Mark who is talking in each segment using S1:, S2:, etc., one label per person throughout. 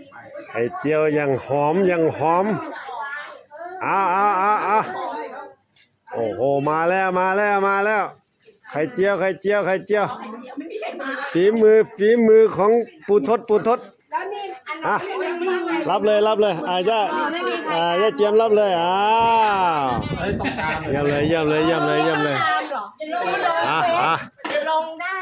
S1: ไข่เจียวยังหอมยังหอมเอาโอ้โหมาแล้วไข่เจียวฝีมือของปูทศอ่ะรับเลยย่าเจียมรับเลยเยี่ยมเลย
S2: ลงได้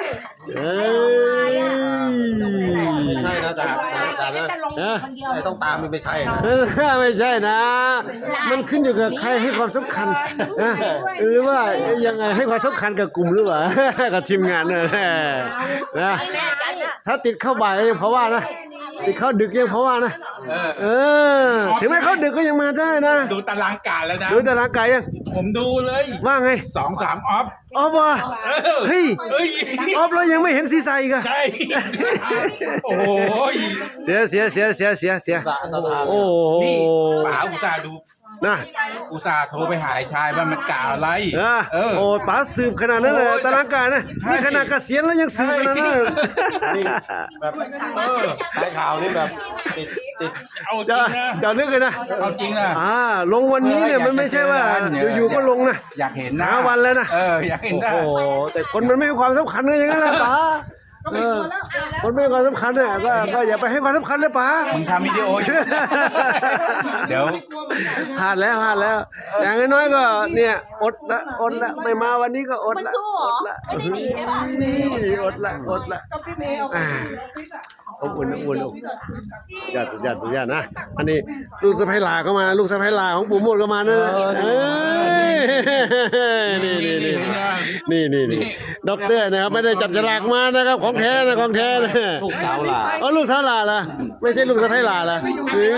S3: ไม่ใช่นะจ๊ะไม่ต้องตามไม่ใช่
S1: ไม่ใช่นะ มันขึ้นอยู่กับใครให้ความสำคัญนะหรือว่ายังไงให้ความสำคัญกับกลุ่มหรือเปล่ากับทีมงานนะถ้าติดเข้าบ่ายก็ยังเพราะว่านะติดเข้าดึกยังเพราะว่านะถึงแม้เข้าดึกก็ยังมาได้นะ
S4: ดูตารางการแล้วนะ
S1: ดูตารางกายยัง
S4: ผมดูเลย
S1: ว่าไง
S4: 2-3 ออฟ
S1: วะเฮ้ยออฟแล้วยังไม่เห็นซีไซอีกอะ
S4: ใช่โอ้โห
S1: เสียโอ้
S4: นี่ป๋าอุตส่าห์ดู
S1: นะ
S4: อุตส่าห์โทรไปหาชายว่ามันกล่าวอะไร
S1: โอ้ป๋าสืบขนาดนั้นเลยตารางการนะนี่ขนาดเกษียณแล้วยังสืบขนาดนั้น
S3: แบบสายข่าวนี่แบบติด
S4: เอาจริงนะ
S1: จะนึกเลยนะ
S4: เอาจริงนะ
S1: ลงวันนี้เนี่ยมันไม่ใช่ว่าอยู่ๆก็ลงนะ
S4: อยากเห็นนะ
S1: วันแล้วนะ
S4: อยากเห็นนะ
S1: โอ้แต่คนมันไม่ให้ความสำคัญเลยอย่างนั้นนะป๋าคนไม่ให้ความสำคัญเนี่ยก็อย่าไปให้ความสำคัญเลยป๋า
S4: มึงทำวิดีโอเดี๋ยว
S1: พลาดแล้วอย่างน้อยๆก็เนี่ยอดละไม่มาวันนี้ก็อดละอดละอบอุ่นญาตินะอันนี้ลูกสะใภ้หลาเข้ามาลูกสะใภ้หลาของปู่มดก็มานะนี่ด็อกเตอร์นะครับไม่ได้จับฉลากมานะครับของแท้นะ
S3: ลูกสาวหลา
S1: ลูกสาวหลาล่ะไม่ใช่ลูกสะใภ้หลาล่ะ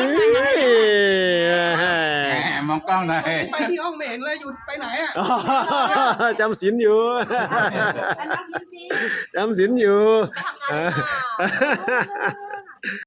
S4: มองกล้องหน่อย
S5: ไปที่ห้องไม่เห็นเลยอยู่ไปไหนอ่ะ
S1: จำศีลอยู่